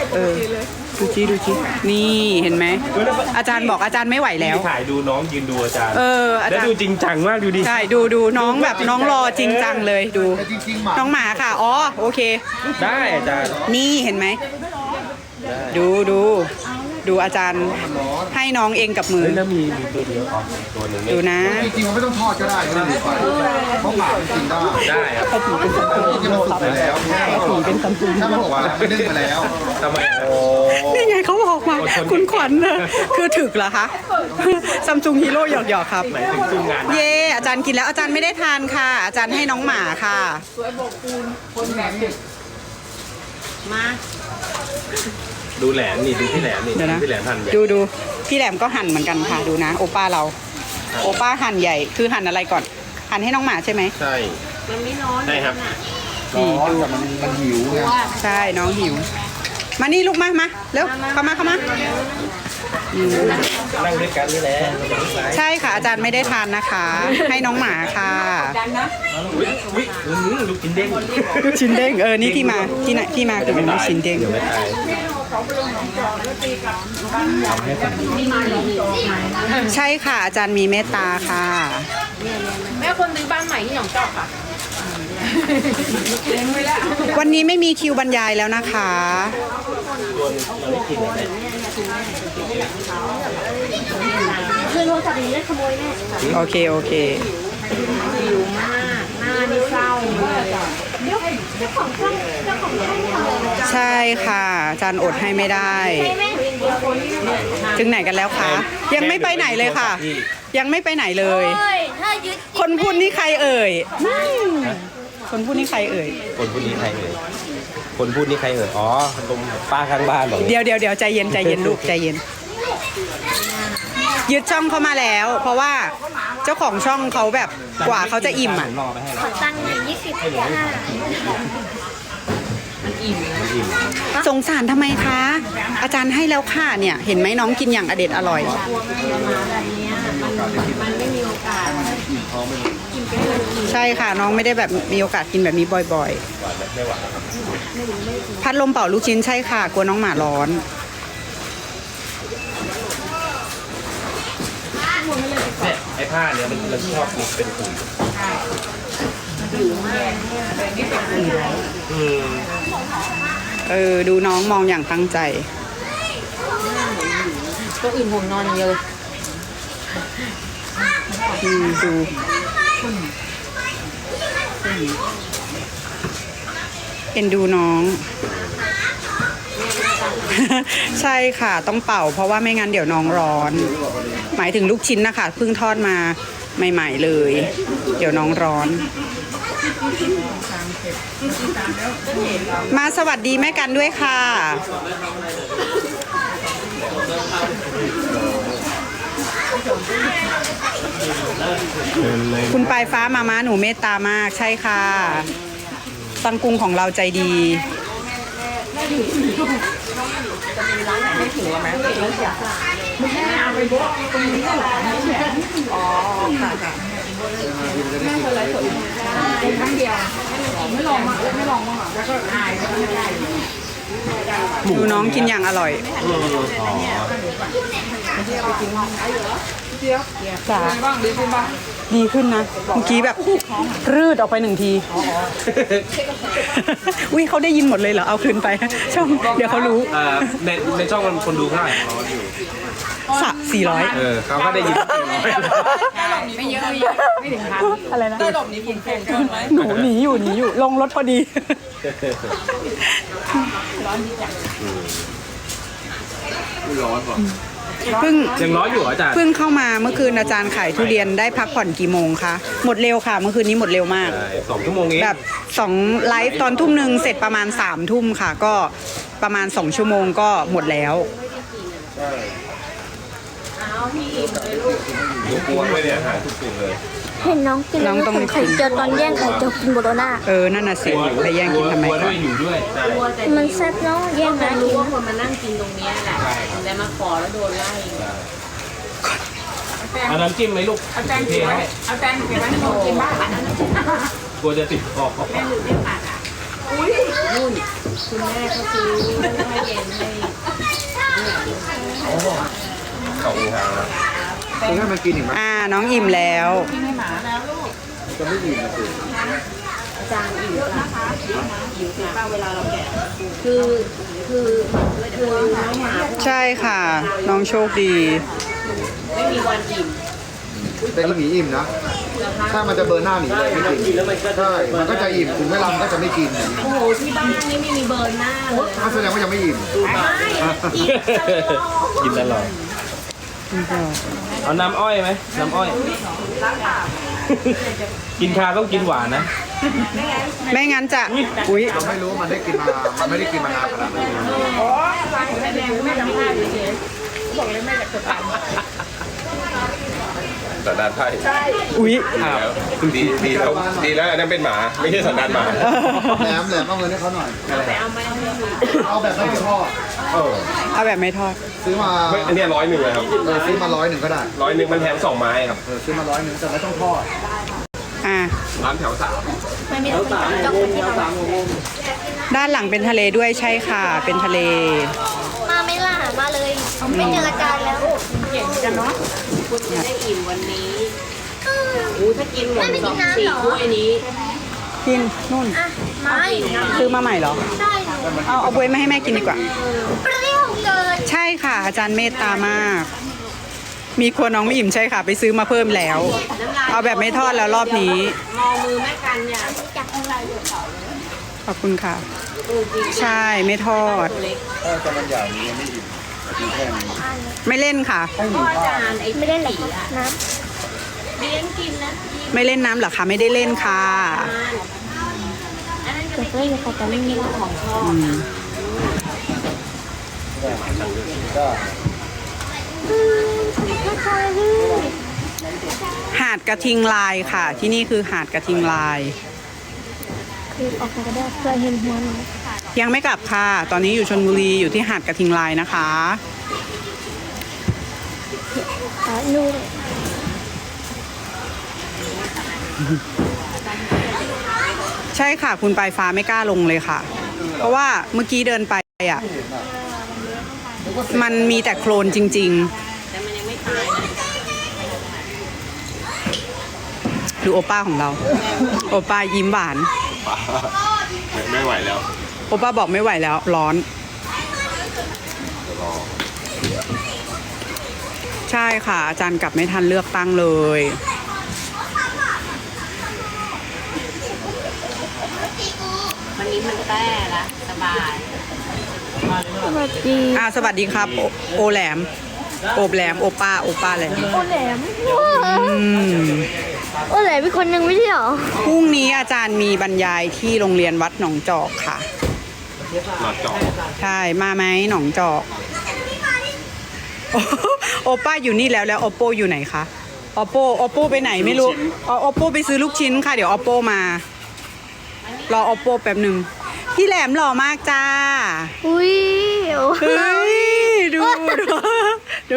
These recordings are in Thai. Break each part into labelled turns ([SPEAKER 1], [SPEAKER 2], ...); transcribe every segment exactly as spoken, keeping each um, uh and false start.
[SPEAKER 1] เออดูจีดูจีนี่เห็นไหมอาจารย์บอกอาจารย์ไม่ไหวแล้ว
[SPEAKER 2] ถ่ายดูน้องยืนดูอาจารย์
[SPEAKER 1] เออแล้ว
[SPEAKER 2] ดูจริงจังมากดูดิ
[SPEAKER 1] ใช่ดูดูน้องแบบน้องรอจริงจังเลยดูน้องหมาค่ะอ๋อโอเค
[SPEAKER 2] ได้อาจารย์
[SPEAKER 1] นี่เห็นไหมดูดูดูอาจารย์ให้น้องเองกับมือ
[SPEAKER 2] แล้วมีมีตัวเดียวอ๋อตัวหนึ่ง
[SPEAKER 1] ดูนะ
[SPEAKER 3] จริงๆมันไม่ต้องทอดก็ได้ไม่ต้องไปเพราะหมามันกินได้
[SPEAKER 2] ได้ครับ
[SPEAKER 3] ถ้าผีเป็นซัมซุงที่มันสุกไปแล้ว
[SPEAKER 1] ผีเป็นซัมซุง
[SPEAKER 3] ถ้ามันบอกว่าไม่นึ่งมาแล้ว
[SPEAKER 2] ทำไมโอ้
[SPEAKER 1] นี่ไงเขาบอกมาคุณขวัญนะคือถึกเหรอคะซัมซุงฮีโร่หยอกๆครับ
[SPEAKER 2] หมายถึงซุ้มงาน
[SPEAKER 1] เย่อาจารย์กินแล้วอาจารย์ไม่ได้ทานค่ะอาจารย์ให้น้องหมาค่ะสวยบกปูนคนแบบมา
[SPEAKER 2] ดูแหลมนี่ดูพี่แหลมนี่พี่แหลมหั่นใหญ่
[SPEAKER 1] ดูดูพี่แหลมก็หั่นเหมือนกันค่ะดูนะโอป้าเราโอป้าหั่นใหญ่คือหั่นอะไรก่อนหั่นให้น้องหมาใช่ไหม
[SPEAKER 2] ใช่
[SPEAKER 4] มันไม่ร้อน
[SPEAKER 2] ใช่ครับ
[SPEAKER 3] ร้อนแต่มันมันหิวไง
[SPEAKER 1] ใช่น้องหิวมานี่ลูกมามาเร็วเข้ามาเข้ามา
[SPEAKER 2] นั่งด้วยกันนี่แหละ
[SPEAKER 1] ใช่ค่ะอาจารย์ไม่ได้ทานนะคะให้น้องหมาค่ะ
[SPEAKER 2] ลูกชิ้นเด้ง
[SPEAKER 1] ลูกชิ้นเด้งเออนี่ที่มาที่ไหนที่มาคือเป็นลูกชิ้นเด้งใช่ค่ะอาจารย์มีเมตตาค่ะ
[SPEAKER 4] แม่คนซื้อบ้านใหม่ที่หนองจอกค่ะ
[SPEAKER 1] วันนี้ไม่มีคิวบรรยายแล้วนะคะ
[SPEAKER 4] คือโทรศัพท์นี้ได้ขโมยแน่
[SPEAKER 1] โอเคโอเค
[SPEAKER 4] หิวมากหน้านี่เศร้าเลยเจ้าของช่องเจ้าของช่อง
[SPEAKER 1] ใช่ค่ะอาจารย์อดให้ไม่ได้ถึงไหนกันแล้วคะยังไม่ไปไหนเลยค่ะยังไม่ไปไหนเลยคนพูดนี่ใครเอ่ยคนพูดนี่ใครเอ่ย
[SPEAKER 2] คนพูดนี่ใครเอ่ยคนพูดนี่ใครเอ่ยอ๋อตรงป้าข้างบ้านบอก
[SPEAKER 1] เดี๋ยวเดี๋ยวเดี๋ยวใจเย็นใจเย็นลูกใจเย็นยึดช่องเข้ามาแล้ว เพราะว่าเจ้าของช่องเขาแบบกว่าเขาจะอิ่มอ่ะ
[SPEAKER 4] ขอตังค์หน่อยยี่สิบค่ะ
[SPEAKER 1] สงสารทำไมคะอาจารย์ให้แล้วค่ะเนี่ยเห็นไหมน้องกินอย่างอเด็ดอร่อยใช่ค่ะน้องไม่ได้แบบมีโอกาสกินแบบนี้บ่อยๆพัดลมเป่าลูกชิ้นใช่ค่ะกลัวน้องหมาร้อน
[SPEAKER 2] เนี่ยไอ้ผ้าเนี่ยมันมันชอบมีเป็นขุ่น
[SPEAKER 1] เออดูน้องมองอย่างตั้งใจ
[SPEAKER 4] ตัวอื่นผมนอนเยอะ
[SPEAKER 1] อืมดูเอ็นดูน้องใช่ค่ะต้องเป่าเพราะว่าไม่งั้นเดี๋ยวน้องร้อนหมายถึงลูกชิ้นนะคะเพิ่งทอดมาใหม่ๆเลยเดี๋ยวน้องร้อนมาสวัสดีแม่กันด้วยค่ะคุณปลายฟ้ามาม้าหนูเมตตามากใช่ค่ะตังกุงของเราใจดีไม่ถึงแล้วไหมไม่ใช่เอาไปบอกตรงนี้หรออ๋อค่ะค่ะแม่เคยไลฟ์สดครั้งเดียวไม่ลองมาไม่ลองมาแล้วก็อายดูน้องกินอย่างอร่อยจ้าดีขึ้นนะเมื่อกี้แบบรืดออกไปหนึ่งทีอุ้ยเขาได้ยินหมดเลยเหรอเอาคืนไปช่องเดี๋ยวเขารู้
[SPEAKER 2] ในในช่องมันคนดูเท่าไหร่ของเราอยู่
[SPEAKER 1] สักสี่ร้อย
[SPEAKER 2] เออเขาก็ได้ยิน
[SPEAKER 4] ไม่เยอะไม่ถึงพัน
[SPEAKER 1] อะไรนะ
[SPEAKER 4] ตัวหลบนี้ผมแพงเกินไหม
[SPEAKER 1] หนูหนีอยู่หนีอยู่ลงรถพอดี
[SPEAKER 4] ร้อนดีจัง
[SPEAKER 3] ร้อนป่ะ
[SPEAKER 1] เพิ่ง
[SPEAKER 2] ยังร้อนอยู่อาจารย์
[SPEAKER 1] เพิ่งเข้ามาเมื่อคืนอาจารย์ขายทุเรียนได้พักผ่อนกี่โมงคะหมดเร็วค่ะเมื่อคืนนี้หมดเร็วมาก
[SPEAKER 2] สองชั่วโมงเอง
[SPEAKER 1] แบบสองไลฟ์ตอนทุ่มหนึ่งเสร็จประมาณสามทุ่มค่ะก็ประมาณสองชั่วโมงก็หมดแล้ว
[SPEAKER 2] ลูกกลัวด้วยเนี่ยหาทุกสิ่งเลย
[SPEAKER 5] เห็นน้องกินแล้วผมไข่เจียวตอนแย่งไข่เจียวกินโบโลน่า
[SPEAKER 1] เออนั่นน่ะสิไปแย่งกินทำไมกัน
[SPEAKER 5] มันแซ่บเนาะแย่งนะ
[SPEAKER 4] รู้ว่าคนมานั่งกินตรงนี้แหละแต่มาขอแล้วโดนไล่
[SPEAKER 2] เอาน้ำจิ้มไหมลูก
[SPEAKER 4] เอาแตงเก็บไว้เอาแตงเก็บไว้ให้หนูกินบ้าง
[SPEAKER 2] กลัวจะติดคอ
[SPEAKER 4] แม่หลุดไม่ปัดอ่ะอุ้ยนู่นคุณแม่เขาซื้อให้เย็น
[SPEAKER 2] สองทางแล้ว
[SPEAKER 3] คุณให้มันกินอีกไหม
[SPEAKER 1] อ่าน้องอิ่มแล้ว
[SPEAKER 3] จะไม่อิ่มนะสิ
[SPEAKER 4] จานอิ่มนะคะอิ่มค่ะเวลาเราแกะคือคือคือน้องหมา
[SPEAKER 1] ใช่ค่ะ น้องโชคดี
[SPEAKER 4] ไม่มีวันอิ่ม
[SPEAKER 3] แต่อีหมีอิ่มนะ ถ้ามันจะเบอร์หน้าหมีเลยไม่กินใช่มันก็จะอิ่มถึงเวลามันก็จะไม่กินอย่างนี้
[SPEAKER 4] โอ้โหที่บ้านนี่ไม่มีเบิร์นหน้าเลย
[SPEAKER 3] ก็แสดงว่ายังไม่อิ่ม
[SPEAKER 2] กินตลอดเอาน้ำอ้อยไหมน้ำอ้อย กินชาต้องกินหวานนะ
[SPEAKER 1] ไม่งั้นจะอุ้ย
[SPEAKER 3] เราไม่รู้ว่ามันได้กินมา มันไม่ได้กินมานานขนาดนั้น
[SPEAKER 2] สันดานไพ่
[SPEAKER 1] อุ้ย
[SPEAKER 2] ดีดีแล้วดีแล้วอันนั้นเป็นหมาไม่ใช่สันดานหมา
[SPEAKER 3] แหลมแหลมเอาเงินให้เขาหน่อย เอาแบบไม่ทอด
[SPEAKER 2] เออ
[SPEAKER 1] เอาแบบไม่ทอด
[SPEAKER 3] ซื้อมา
[SPEAKER 2] ไม่อันเนี้ร้อยหนึ่งเลยครับ
[SPEAKER 3] เออซื้อมาร้อยหนึ่งก็ได้
[SPEAKER 2] ร้อยหนึ่งมันแถมสองไม้ครับ
[SPEAKER 3] เออซื้อมาร้อยหนึ่งแต่ไม่ต้องทอด
[SPEAKER 1] อ่า
[SPEAKER 2] ร้านแถวสาม
[SPEAKER 1] ด้านหลังเป็นทะเลด้วยใช่ค่ะ เป็นทะเล
[SPEAKER 5] มาไม่ล่ะมาเลย ไม่เจออาจารย์แล้ว
[SPEAKER 4] คุณจะได้อิ่มวันนี้อู้ถ้ากินหมดสองสี่ถ้วยนี้
[SPEAKER 1] กินนู่น
[SPEAKER 5] อ่ะไม่
[SPEAKER 1] ซื้อมาใหม่เหรอ
[SPEAKER 5] ได้หนู
[SPEAKER 1] เอาเอาบวยมาให้แม่กินดีกว่า
[SPEAKER 5] เปรี้ยวเกิน
[SPEAKER 1] ใช่ค่ะ อาจารย์เมตตามาก มีครัวน้องไม่อิ่มใช่ค่ะ ไปซื้อมาเพิ่มแล้ว เอาแบบไม่ทอดแล้วรอบนี้
[SPEAKER 4] มองมือแม่กันเนี่ย
[SPEAKER 1] ขอบคุณค่ะ ใช่ไม่ทอด
[SPEAKER 3] ถ้าจะมันใหญ่นี้ยังไม่อิ่มกินแค่นี้
[SPEAKER 1] ไม่เล่นค่ะ
[SPEAKER 4] พ่ออาจารย์ไอ้
[SPEAKER 5] ไม่ได้หรอกน้
[SPEAKER 4] เลี้ยงกินนะ
[SPEAKER 1] ไม่เล่นน้ำเหรอคะไม่ได้เล่นค่ะ
[SPEAKER 4] อันนั้น
[SPEAKER 5] ำ
[SPEAKER 4] ก็
[SPEAKER 5] เด็กเล่นค่ะแต่ไม่มี
[SPEAKER 4] ของชอบ
[SPEAKER 1] อืม
[SPEAKER 3] ก็
[SPEAKER 5] ไม่เคยพี่
[SPEAKER 1] หาดกระทิงลายค่ะ ที่นี่คือหาดกระทิงลาย
[SPEAKER 5] คือออกมาก็ได้เคยเห็นหัวหนู
[SPEAKER 1] ยังไม่กลับค่ะ ตอนนี้อยู่ชลบุรีอยู่ที่หาดกระทิงลายนะคะ
[SPEAKER 5] อ่ะนู่น
[SPEAKER 1] ใช่ค่ะ คุณปลายฟ้าไม่กล้าลงเลยค่ะ เพราะว่าเมื่อกี้เดินไปอ่ะ มันมีแต่โคลนจริง
[SPEAKER 4] แต่มันยังไม่ตายนะ
[SPEAKER 1] ๆ ดูโอป้าของเรา โอป้ายิ้มหวาน
[SPEAKER 2] ไม่ไหวแล้ว
[SPEAKER 1] โอป้าบอกไม่ไหวแล้วร้อน ใช่ค่ะ อาจารย์กลับไม่ทันเลือกตั้งเลย
[SPEAKER 4] วันนี้มันแต้ละสบาย
[SPEAKER 5] สวัสดี
[SPEAKER 1] อ่าสวัสดีครับ โอโอแหลม โอบแหลม โอป้า โอป้าแหลม
[SPEAKER 5] โอแหลม
[SPEAKER 1] อืม
[SPEAKER 5] โอแหลมมีคนหนึ่งไม่ใช่เหรอ
[SPEAKER 1] พรุ่งนี้อาจารย์มีบรรยายที่โรงเรียนวัดหนองจอกค่ะ
[SPEAKER 2] หลอดจอ
[SPEAKER 1] ใช่ มาไหมหนองจอก โอป้าอยู่นี่แล้วแล้วโอโปอยู่ไหนคะโอโปโอโปไปไหนไม่รู้อ๋อโอโปไปซื้อลูกชิ้นค่ะ เดี๋ยวโอโปมา รอโอโปแป๊บหนึ่งพี่แหลมหล่อมากจ้า
[SPEAKER 5] อุ้ยโอ้
[SPEAKER 1] เฮ้ย ดูดูดู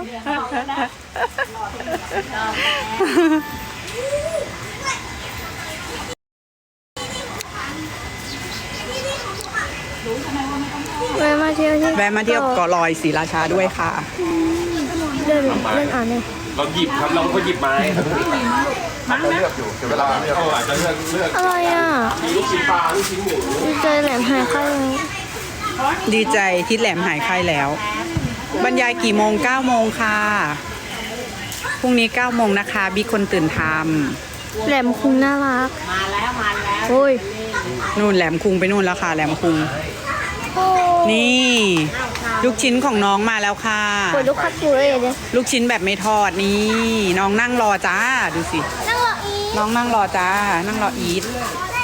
[SPEAKER 5] แวะมาเที่ยวที่
[SPEAKER 1] แวะมาเที่ยวเกาะลอยศรีราชาด้วยค่ะ
[SPEAKER 5] เล่นเล่นอ่านเลย
[SPEAKER 2] เราหยิบครับเราก็หยิบไม้
[SPEAKER 3] อาจจะเลือกอยู่เสียเวลาเลือก
[SPEAKER 2] เอออาจจะเลือกเลือก
[SPEAKER 5] อะไรอ่ะ
[SPEAKER 2] มีลูกชิ้นปลาลูกชิ้นหมู
[SPEAKER 5] เจอแหลมหายข้าง
[SPEAKER 1] ดีใจที่แหลมหายไข้แล้ว บรรยายกี่โมงเก้าโมงค่ะพรุ่งนี้เก้าโมงนะคะบิ๊กคนตื่นท
[SPEAKER 5] แหลมคุงน่ารัก
[SPEAKER 4] มาแล้วมาแล้ว
[SPEAKER 5] โอ้ย
[SPEAKER 1] ำนู่นแหลมคุงไปนู่นแล้วค่ะ แหลมคุง
[SPEAKER 5] โอ้
[SPEAKER 1] นี่ ลูกชิ้นของน้องมาแล้วค่ะ
[SPEAKER 5] ปวดลูกคัดกูเลยเนี่ย
[SPEAKER 1] ลูกชิ้นแบบไม่ทอดนี่ น้องนั่งรอจ้าดูสิ
[SPEAKER 5] นั่งรออี
[SPEAKER 1] น้องนั่งรอจ้า นั่งรออีท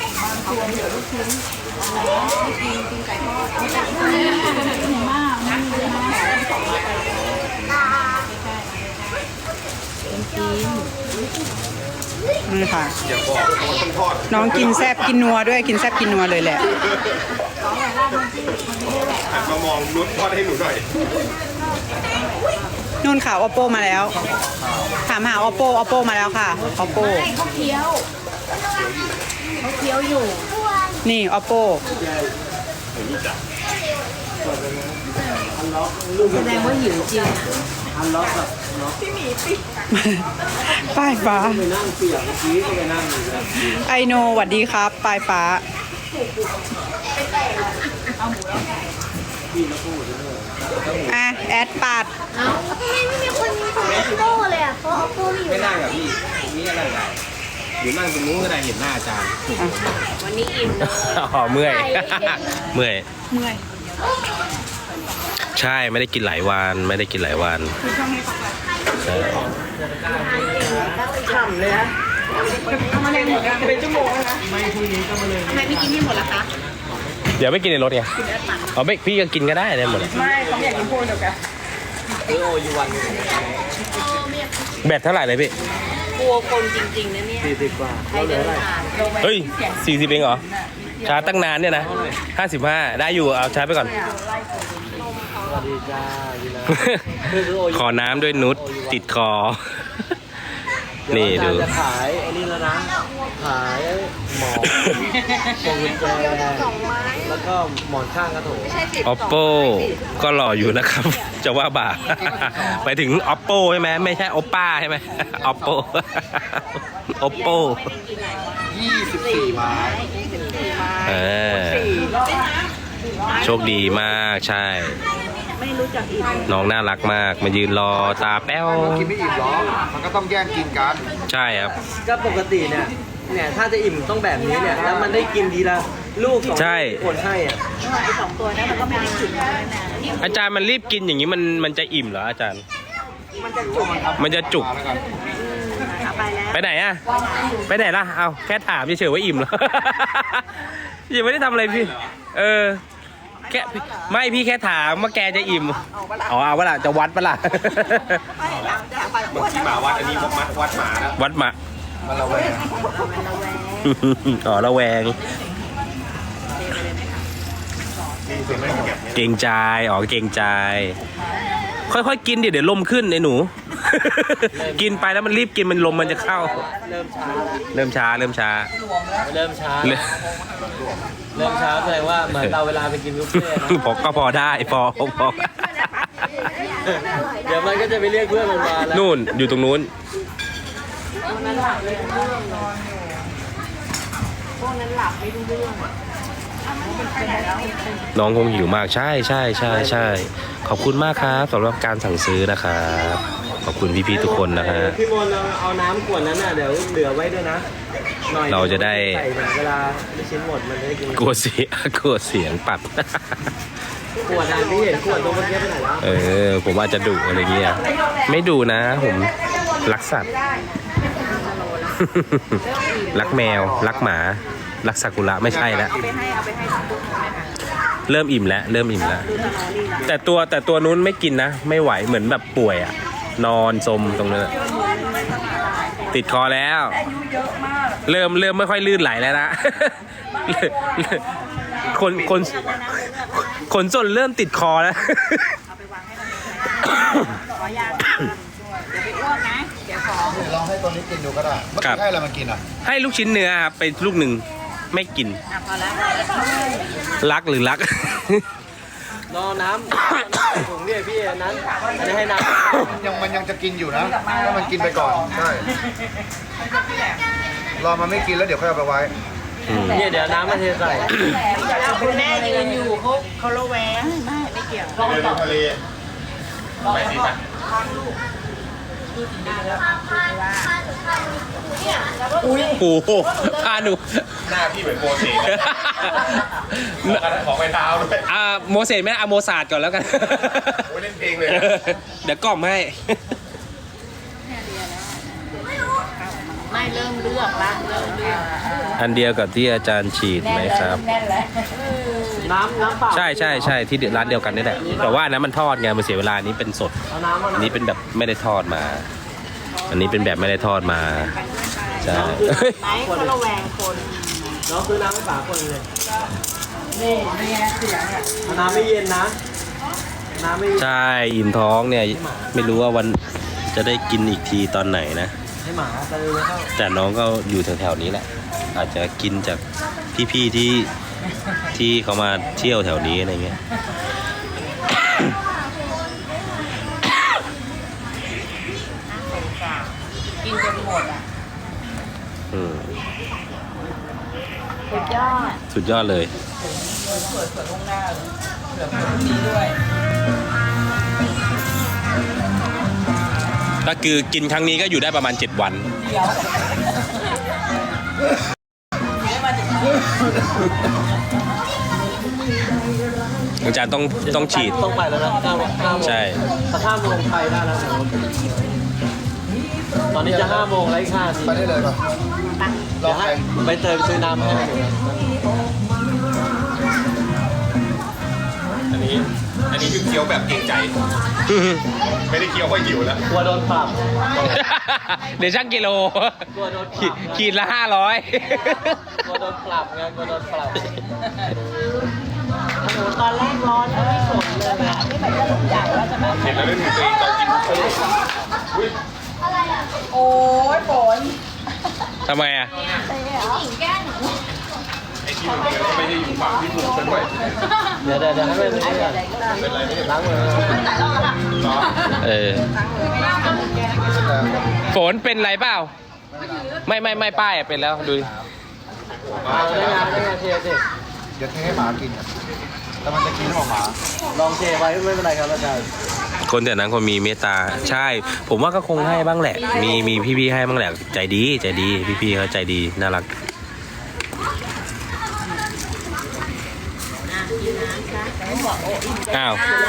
[SPEAKER 1] นี่ค่ะ
[SPEAKER 2] อย่าบอกว่าต้องทอด
[SPEAKER 1] น้องกินแซบกินนัวด้วยกินแซบกินนัวเลยแหละ
[SPEAKER 2] หันมามองนุชทอดให้หนูหน่อย
[SPEAKER 1] นู่นค่ะ oppo มาแล้ว ถามหา oppo oppo มาแล้วค่ะ oppo
[SPEAKER 4] เขาเคี้ยวเขาเคี้ยวอยู่
[SPEAKER 1] นี่ oppo
[SPEAKER 4] แสดงว่าหิวจริงอ่ะ
[SPEAKER 2] อันล็อกกับ
[SPEAKER 1] ป้ายฟ้า
[SPEAKER 2] ไปนั่งเปียกเมื่อกี้ก็ไปนั่งอยู่แล้ว
[SPEAKER 1] ไอโนหวัดดีครับป้ายฟ้า อ่ะ แอดปัด
[SPEAKER 4] เอ้าทำไมไม่มีคนมีของ oppo เลยอ่ะเพราะ oppo มีอยู่
[SPEAKER 2] ไม่นั่งกับพี่นี่อะไรได้หรือนั่งตรงนู้นก็ได้เห็นหน้าอาจารย์
[SPEAKER 4] วันนี้อิ่มเลย
[SPEAKER 2] อ๋อเมื่อย เมื่อย
[SPEAKER 1] เมื่อย
[SPEAKER 2] ใช่ไม่ได้กินหลายวันไม่ได้กินหลายวันใช่
[SPEAKER 1] ฉ่ำเลยนะเอามาเลยหมดกันเป็นชั่วโมงแล้วนะไม่พรุ่งนี้ก็มาเลยทำไมไม่กินที่หมดล่ะคะ
[SPEAKER 2] เดี๋ยวไม่กินในรถไงอ๋อไม่พี่ก็กินก็ได้ได้หมด
[SPEAKER 1] ไม่เขาอยากกินพวกเดียวกัน
[SPEAKER 2] แบตเท่าไหร่เลยพี่
[SPEAKER 4] กลัวคนจริงๆนะเนี่ย
[SPEAKER 2] สี่สิบกว่า
[SPEAKER 4] ใครเดินผ่าน
[SPEAKER 2] เฮ้ยสี่สิบเองเหรอชาร์จตั้งนานเนี่ยนะห้าสิบห้าได้อยู่เอาชาร์จไปก่อน ขอน้ำด้วยนุชติดคอ นี่ดู
[SPEAKER 6] จะขายไอ้นี่แล้วนะ ขายหมอนพวงกุญแจแล้วก็หมอนข้างกระโถน
[SPEAKER 2] oppo ก็หล่ออยู่นะครับ จะว่าบ่า ไปถึง oppo ใช่ไหมไม่ใช่ oppa ใช่ไหม oppo oppo
[SPEAKER 3] ยี่สิบสี่ไม้
[SPEAKER 2] เออโชคดีมากใช่ น้องน่ารักมากมายืนรอตาแป้ว
[SPEAKER 3] กินไม่อิ่มหรอกมันก็ต้องแย่งกินกัน
[SPEAKER 2] ใช่ครับ
[SPEAKER 6] ก็ปกติเนี่ย เนี่ยถ้าจะอิ่มต้องแบบนี้เนี่ย แล้วมันได้กินทีละลูกสอง
[SPEAKER 2] ใช่
[SPEAKER 6] ลูกคนให้อ่ะ
[SPEAKER 2] อาจารย์มันรีบกินอย่างนี้มันมันจะอิ่มเหรออาจารย์ มันจะจุก
[SPEAKER 3] แล้วกัน
[SPEAKER 2] ไปไหนอะไปไหนล่ะ เอาแค่ถามเฉยๆว่าอิ่มเหรอ ยังไม่ได้ทำอะไรพี่ เออ แค่ไม่พี่แค่ถามว่าแกจะอิ่ม อ๋อเอาวะล่ะจะวัดปะล่ะ
[SPEAKER 3] ที่มาวัดอันนี้วัดวัดหมาแล้ว
[SPEAKER 2] วัดหมา
[SPEAKER 3] มันระแวง
[SPEAKER 2] อ๋อระแวง เกรงใจ อ๋อเกรงใจ ค่อยๆกินเดี๋ยวเดี๋ยวลมขึ้นไอ้หนู กินไปแล้วมันรีบกินมันลมมันจะเข้า
[SPEAKER 6] เริ่มช้า
[SPEAKER 2] เริ่มช้าเริ่มช้า
[SPEAKER 6] เริ่มช้า
[SPEAKER 2] เริ่ม
[SPEAKER 6] เริ่มช้าแสดงว่าเหมือนเราเวลาไปกินบุฟเฟ่ต์นะ
[SPEAKER 2] พอก็พอได้พอพอ
[SPEAKER 6] เดี๋ยวมันก็จะไปเรียกเพื่อนมันมาแล้ว
[SPEAKER 2] นู่นอยู่ตรงนู้น น้องคงหิวมากใช่ใช่ใช่ใช่ขอบคุณมากครับสำหรับการสั่งซื้อนะครับขอบคุณพี่ๆทุกคนนะฮะ
[SPEAKER 6] พี่มนต์เอาเอาน้ำขวดนั้นน่ะเดี๋ยวเหลือไว้ด้วยนะหน่อย
[SPEAKER 2] เราจะได้
[SPEAKER 6] ใส่เนี่ยเวลาลูกชิ้นหมดมันจะได้กิน
[SPEAKER 2] กลัวเสียกลัวเสียงปัด
[SPEAKER 6] ขวดอ่ะพี่เห็นขวดตรงเมื่อกี้ไปไหนแล้ว
[SPEAKER 2] เออผมอาจจะดุอะไรเงี้ยไม่ดุนะผมรักสัตว์ รักแมวรักหมารักซากุระไม่ใช่แล้วเริ่มอิ่มแล้วเริ่มอิ่มแล้วแต่ตัวแต่ตัวนู้นไม่กินนะไม่ไหวเหมือนแบบป่วยอะนอนสมตรงนั้นอะติดคอแล้ว เริ่มเริ่มไม่ค่อยลื่นไหลแล้วนะ คนคนขนส่วนเริ่มติดคอแล้ว
[SPEAKER 3] ลองให้ตัวนี้กินดูก็ได้เมื่อ
[SPEAKER 2] ครั
[SPEAKER 3] กี้
[SPEAKER 2] บ
[SPEAKER 3] ให้อะไรมันกินอ่ะ
[SPEAKER 2] ให้ลูกชิ้นเนื้อครับไปลูกหนึ่งไม่กินรักหรือรัก
[SPEAKER 6] รอน้ำถุงเนี่ยพี่อันนั้นอันนี้ให้น้
[SPEAKER 3] ยังมันยังจะกินอยู่นะถ้ามันกินไปก่อนใช่รอมันไม่กินแล้วเดี๋ยวค่อยเอาไปไว้
[SPEAKER 2] อืม
[SPEAKER 6] ำเนี่ยเดี๋ยวน้ำมาเทใส่
[SPEAKER 1] คุณแม่ยืนอยู่เขาเขาระแวงไม่ไม่เกี่ยว
[SPEAKER 3] ทะเล
[SPEAKER 2] โอ้โหพาหนู
[SPEAKER 3] หน้าพี่เหมือนโมเสสของไปเท้าด้วย
[SPEAKER 2] อ่าโมเสสไม่ได้เอาโมซาร์ทก่อนแล้วกัน
[SPEAKER 3] โอ้ยเล่นเพลงเลย
[SPEAKER 2] เดี๋ยวกล่อมให้
[SPEAKER 4] ไม่เริ่มเลือกละเริ่มเลือก
[SPEAKER 2] อันเดียวกับที่อาจารย์ฉีดไหมครับ
[SPEAKER 6] น้ำน้ำเปล่า
[SPEAKER 2] ใช่ใช่ใช่ที่ร้านเดียวกันนี่แหละแต่ว่าอันนั้นมันทอดไงมันเสียเวลาอันนี้เป็นสด
[SPEAKER 6] เอาน้ำมา
[SPEAKER 2] อันนี้เป็นแบบไม่ได้ทอดมา อันนี้เป็นแบบไม่ได้ทอดมาใช่
[SPEAKER 4] ไหนเขาระแวงคน
[SPEAKER 6] น้องซื้อน้ำให้ป๋าคนเลยนี่นี่เสียงอ่ะน้ำไม่เย็นนะ น้ำไม่
[SPEAKER 2] ใช่อิ่มท้องเนี่ยไม่รู้ว่าวันจะได้กินอีกทีตอนไหนนะ
[SPEAKER 6] ให้หมาไปเลยเข้า
[SPEAKER 2] แต่น้องก็อยู่แถวๆนี้แหละ อาจจะกินจากพี่ๆที่ที่เขามาเที่ยวแถวนี้อะไรเงี้ยอืม
[SPEAKER 4] สุดยอด
[SPEAKER 2] สุดยอดเลย ก็คือกินครั้งนี้ก็อยู่ได้ประมาณเจ็ดวัน อาจารย์ต้องต้องฉีด
[SPEAKER 6] ต้องไปแล้วนะห้าโมงห้าโมง
[SPEAKER 2] ใช่
[SPEAKER 6] แต่ห้าโมงไทยได้แล้วนะตอนนี้จะห้าโมงแล้วอีกห้านาที
[SPEAKER 3] ไปได้เลยป่ะล
[SPEAKER 6] เดี๋
[SPEAKER 3] อย ง
[SPEAKER 6] วให้
[SPEAKER 3] ไป
[SPEAKER 6] ใบเตยไปซื้อน้ำให้
[SPEAKER 2] อันนี้ อันนี้คือเคี้ยวแบบเกรงใจ ไม่ได้เคี้ยวเพราะหิวแล้ว
[SPEAKER 6] กลัวโดนปรับ
[SPEAKER 2] เดี๋ยวช่างกิโล
[SPEAKER 6] กลัวโดนป
[SPEAKER 2] ขี
[SPEAKER 6] รั
[SPEAKER 2] ด
[SPEAKER 6] บ
[SPEAKER 2] ขีดละห้าร้อย
[SPEAKER 6] กลัวโดนปรับไงกลัวโดนปรับ
[SPEAKER 4] โอ้โหตอนแรกร้อนแล้วไม่สนเลยอะนี่แบบจะลุกใหญ่แล้วจะแบบ
[SPEAKER 2] เห็นแล้วเรื่องตัวเองตอนกิน
[SPEAKER 1] โอ้ยฝน
[SPEAKER 2] ทำไมอ่ะ ไอ้ที่มันก็ไม่ได้อยู่ฝั่งที่ถูกซะด้วย
[SPEAKER 6] เดี๋ยวเดี๋ยวเดี๋ยวให้ไปซื้อก่อน
[SPEAKER 2] เป็นไรไม่ได้
[SPEAKER 6] ล้างมือ
[SPEAKER 2] เออ ฝนเป็นไรเปล่า ไม่ไม่ไม่ป้ายอะเป็นแล้วดูดิ
[SPEAKER 6] เอาได้งานได้งานเทสิ
[SPEAKER 3] เดี๋ยวเทให้หมากินอ่ะแต่มันจะกินของหมา
[SPEAKER 6] ลองเทไว้ไม่เป็นไรครับอาจารย์
[SPEAKER 2] คนแต่นั้นคนมีเมตตา ใช่ ผมว่าก็คงให้บ้างแหละ มีมีพี่ๆให้บ้างแหละ ใจดีใจดี พี่ๆเขาใจดีน่ารัก อ้าว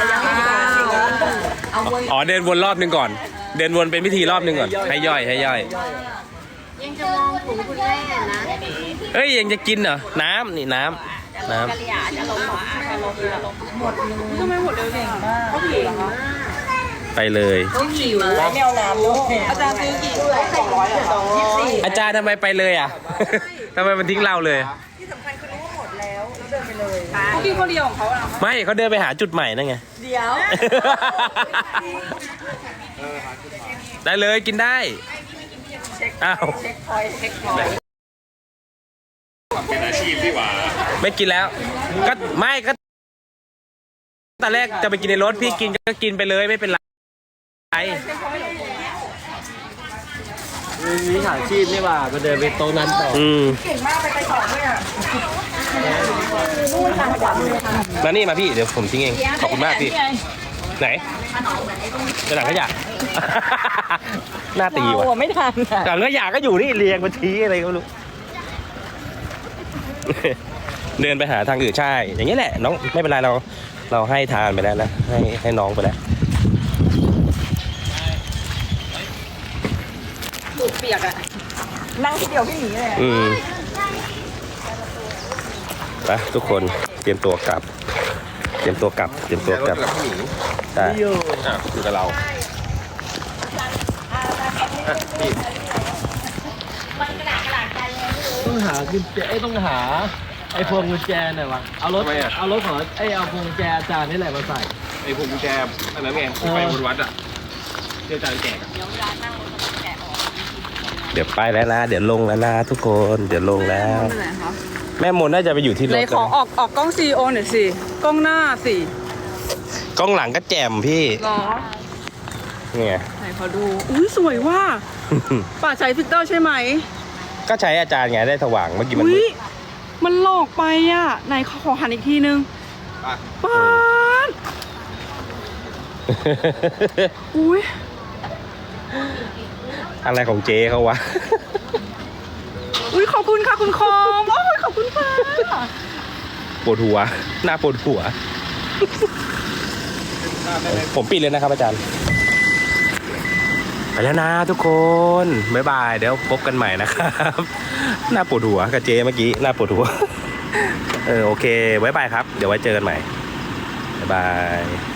[SPEAKER 2] อ๋อเดินวนรอบหนึงก่อน เดินวนเป็นพิธีรอบหนึงก่อน ให้ย่อยให้ย่อย
[SPEAKER 4] ยังจะมองถุงคุณแม่นะ
[SPEAKER 2] เอ้ยยังจะกินเหรอ น้ำนี่น้ำน้ำ
[SPEAKER 4] กะเหรี่ยจะลงมาจะลงจะลง
[SPEAKER 1] ทำไมหมดเร็วเก่งมากเขาหิวเหรอคะ
[SPEAKER 2] ไปเลย
[SPEAKER 1] เขาหิวแล้วไม่เอาน้ำด้วยอาจารย์ซื้อกี่ถ้วยสองร้อยเหรอยี่สิบสี่
[SPEAKER 2] อาจารย์ทำไมไปเลยอ่ะ ทำไมมันทิ้งเราเลย
[SPEAKER 1] ที่สำคัญคือรู้ว่าหมดแล้วแล้วเดินไปเลยเขากินคนเดียวของเขาอะ
[SPEAKER 2] ไม่เขาเดินไปหาจุดใหม่นั่นไง
[SPEAKER 1] เดี๋ยว
[SPEAKER 2] ได้เลยกินได้ อ้าว
[SPEAKER 1] เช็คพอยต์เช็คพอยต์
[SPEAKER 2] ไม่กินแล้ว ก็ไม่ก็ตอนแรกจะไปกินในรถพี่กินก็กินไปเลยไม่เป็นไร
[SPEAKER 6] มีวิชาชีพนี่หว่ามาเดินไปโต๊ะนั้นต่อ
[SPEAKER 2] อืม
[SPEAKER 1] เก่งมากไปไปต่อด้วยอ่ะ
[SPEAKER 2] มานี่มาพี่เดี๋ยวผมทิ้งเอง ขอบคุณมากพี่ ไหนจะหนังขยะ หน้าตีว่ะ
[SPEAKER 1] ไม่ทันอ่ะ
[SPEAKER 2] หนังขยะก็อยู่นี่เรียงมาชี้อะไรก็ไม่รู้ เดินไปหาทางอื่นใช่ อย่างนี้แหละน้องไม่เป็นไรเราเราให้ทานไปแล้วนะให้ให้น้องไปแล้ว
[SPEAKER 1] ตูดเปียกอ่ะนั่งทีเดียวพี่หนีเลย
[SPEAKER 2] อืมไปทุกคนเตรียมตัวกลับ เตรียมตัวกลับ เตรียมตัวกลับใช่อยู่อยู่กับเราอ่ะพี่
[SPEAKER 6] ต้องหากุญแจไอ้ยต้องหาไอ้พวงกุญแจหน่อยวะเอารถเอารถของไอ้เอาพวงกุญแจอาจารย์นี่แหละมาใส่
[SPEAKER 2] ไอ้ผมกุญแจอันนั้นไงไปบนวัดอ่ะเจ้าจานแจกเดี๋ยวไปแล้วนะเดี๋ยวลงแล้วนะทุกคนเดี๋ยวลงแล้ว แม่มนน่าจะไปอยู่ที่ร
[SPEAKER 1] เล
[SPEAKER 2] ถ
[SPEAKER 1] ยขอออกออกกล้องซีโอหน่อยสิกล้องหน้าสิ
[SPEAKER 2] กล้องหลังก็แจ่มพี่
[SPEAKER 1] หรอ
[SPEAKER 2] เนี่ย
[SPEAKER 1] ไหนขอดูอุ้ยสวยว่าป่าใช้ฟิลเตอร์ใช่ไหม
[SPEAKER 2] ก็ใช้อาจารย์ไงได้สว่างเมื่อกี้มัน
[SPEAKER 1] อุ้
[SPEAKER 2] มื
[SPEAKER 1] ย
[SPEAKER 2] ด
[SPEAKER 1] มันหลอกไปอ่ะไหนขอขอหันอีกทีนึงป้าดอุ้ย
[SPEAKER 2] อะไรของเจ๊เขาวะ
[SPEAKER 1] อุ้ยขอบคุณค่ะคุณคอมโอ้ยขอบคุณค่ะ
[SPEAKER 2] ปวดหัว หน้าปวดหัว ผมปิดเลยนะครับอาจารย์ ไปแล้วนะทุกคน บ๊ายบาย เดี๋ยวพบกันใหม่นะครับ หน้าปวดหัวกับเจ๊เมื่อกี้ หน้าปวดหัว เออโอเค บ๊ายบายครับ เดี๋ยวไว้เจอกันใหม่ บ๊ายบาย